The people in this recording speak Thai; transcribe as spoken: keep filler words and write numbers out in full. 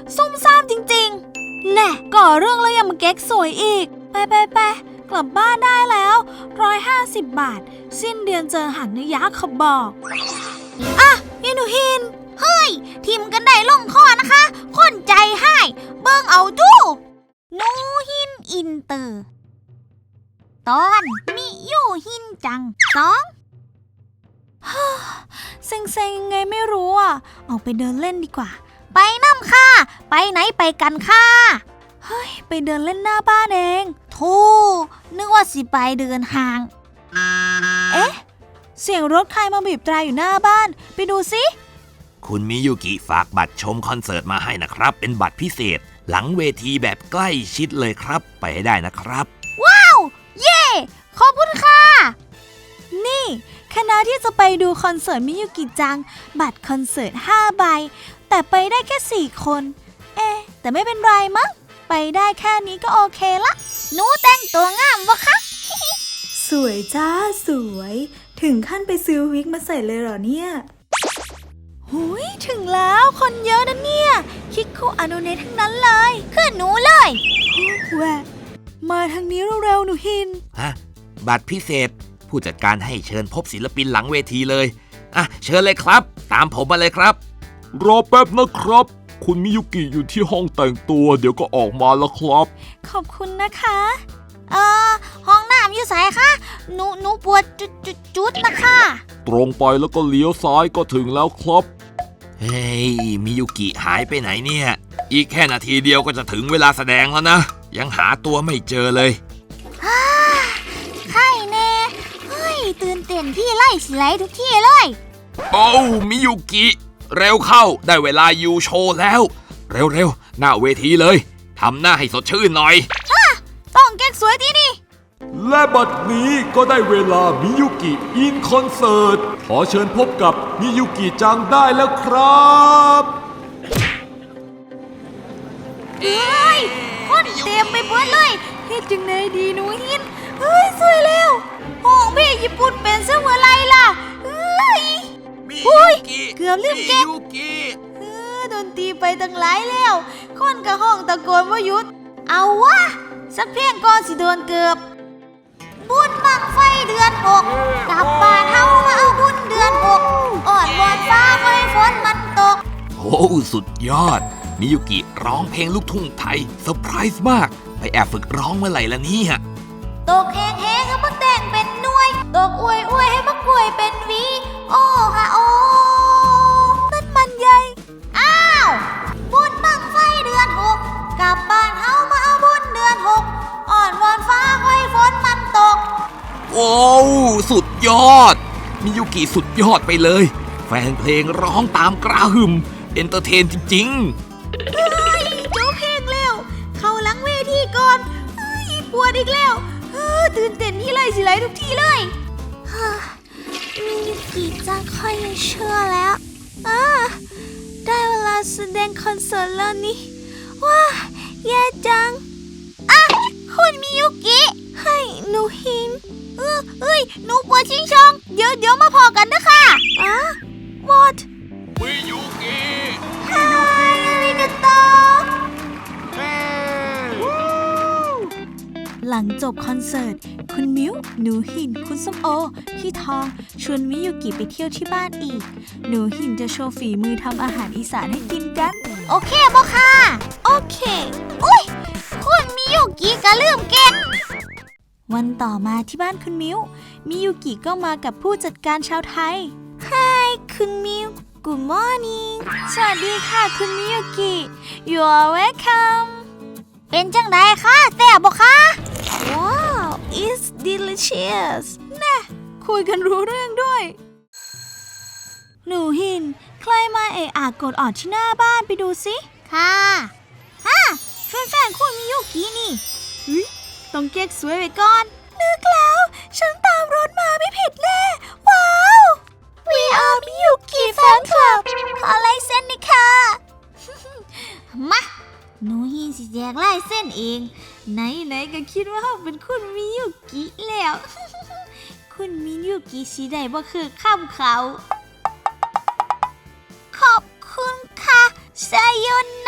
ซุ่มซ่ามจริงๆแน่ก่อเรื่องแล้วยังมาเก๊กสวยอีกไปไปไปกลับบ้านได้แล้วร้อยห้าสิบบาทสิ้นเดือนเจอหักนะยะเขาบอกอ่ะยินูฮินเฮ้ยทีมกันได้ลงคอนะคะคนใจให้เบิ่งเอาดูนูฮินอินเตอร์ตอนมิยูฮินจังสองเซ็งๆยังไงไม่รู้อ่ะออกไปเดินเล่นดีกว่าไปน้ำค่ะไปไหนไปกันค่ะเฮ้ยไปเดินเล่นหน้าบ้านเองโธ่นึกว่าสิไปเดินห่างเอ๊ะเสียงรถใครมาบีบแตรอยู่หน้าบ้านไปดูสิคุณมิยุกิฝากบัตรชมคอนเสิร์ตมาให้นะครับเป็นบัตรพิเศษหลังเวทีแบบใกล้ชิดเลยครับไปให้ได้นะครับว้าวเย่ขอบคุณค่ะนี่คณะที่จะไปดูคอนเสิร์ตมิยุกิจังบัตรคอนเสิร์ตห้าใบแต่ไปได้แค่สี่คนเอ๊ะแต่ไม่เป็นไรมั้งไปได้แค่นี้ก็โอเคละหนูแต่งตัวงามวะคะสวยจ้าสวยถึงขั้นไปซื้อวิกมาใส่เลยเหรอเนี่ยหุยถึงแล้วคนเยอะนะเนี่ยคิกคุอาโนเนะทั้งนั้นเลยขึ้นหนูเลยแหวะมาทางนี้เร็วๆหนูฮินฮะบัตรพิเศษผู้จัดการให้เชิญพบศิลปินหลังเวทีเลยอ่ะเชิญเลยครับตามผมมาเลยครับรอแป๊บนะครับคุณมิยุกิอยู่ที่ห้องแต่งตัวเดี๋ยวก็ออกมาแล้วครับขอบคุณนะคะเอ่อห้องน้ำอยู่ไหนคะหนูหนูปวดจุดจุดจุดนะคะตรงไปแล้วก็เลี้ยวซ้ายก็ถึงแล้วครับเฮ้ยมิยุกิหายไปไหนเนี่ยอีกแค่นาทีเดียวก็จะถึงเวลาแสดงแล้วนะยังหาตัวไม่เจอเลยใช่แน่เฮ้ยตื่นเต้นพี่ไล่สิไล่ทุกที่เลยโอ้มิยุกิเร็วเข้าได้เวลายูโชว์แล้วเร็วๆหน้าเวทีเลยทำหน้าให้สดชื่นหน่อยต้องแก๊กสวยที่นี่และบัดนี้ก็ได้เวลามิยุกิอินคอนเสิร์ตขอเชิญพบกับมิยุกิจังได้แล้วครับเฮ้ยคนเต็มไปหมดเลยเฮ็ดจังไดดีหนูฮินเฮ้ยสวยแล้วห้องพี่ญี่ปุ่นเป็นซะเมื่อไรล่ะเฮ้ยอุ้ยเกือบลืมเก็บเออโดนตีไปตั้งหลายแล้วคนกับห้องตะโกนว่าหยุดเอาวะสักเพียงก่อนสิโดนเกือบบุญบังไฟเดือนหกกลับบ้านเฮามาเอาบุญเดือนหกอ่อนวอนฟ้าให้ฝนมันตกโอ้สุดยอดมิยุกิร้องเพลงลูกทุ่งไทยเซอร์ไพรส์มากไปแอบฝึกร้องเมื่อไหร่ละเนี่ยตกแห้งแห้งให้มักแต่งเป็นหน่วยตกอวยอวยให้มักกล้วยเป็นวีโอ้ฮะโอ้นั่นมันใหญ่อ้าวบุญบังไฟเดือนหกกลับบ้านเฮามาเอาบุญเดือนหกอ่อนวอนฟ้าให้ฝนมันตกโอ้สุดยอดมิยุกิสุดยอดไปเลยแฟนเพลงร้องตามกระหึ่มเอนเตอร์เทนจริงๆเฮ้ยโจ๊กเพลงแล้วเข้าหลังเวทีก่อนเฮ้ยปวดอีกแล้วตื่นเต้นที่ไรสิไรทุกทีเลยมิยุกิจังค่อยเชื่อแล้วได้เวลาแสดงคอนเสิร์ตแล้วนี่ว้าแย่จังอ่ะคุณมิยุกิให้หนูหินเออเอ้ยหนูปวดชิงชองเดี๋ยวเดี๋ยวมาพอกันนะค่ะอ่ะ what มิยุกิฮายอาริกาโตหลังจบคอนเสิร์ตคุณมิวหนูหินคุณส้มโอพี่ทองชวนมิยุกิไปเที่ยวที่บ้านอีกหนูหินจะโชว์ฝีมือทำอาหารอีสานให้กินกันโอเคบ่ค่ะโอเคอุ้ยคุณมิยุกิก็ลืมเก็บวันต่อมาที่บ้านคุณมิวมิยุกิก็มากับผู้จัดการชาวไทย Hi คุณมิว Good morning สวัสดีค่ะคุณมิยุกิ You are welcome เป็นจังไดคะแซ่บบ่คะว้าว it's delicious น่ะคุยกันรู้เรื่องด้วยหนูหินใครมาเอะอะกดออดที่หน้าบ้านไปดูสิค่ะฮะแฟนๆคุณมิยุกินี่ต้องเก๊กสวยไว้ก่อนนึกแล้วฉันตามรถมาไม่ผิดแน่ว้าว We are มิยุกิแฟนคลับขอลายเส้นนี่ค่ะมาหนูหินสิแจกลายเส้นเองไหนๆก็คิดว่าเขาเป็นคุณมิยุกิแล้ว คุณมิยุกิสิได้บ่คือข้ามเขาขอบคุณค่ะไซโย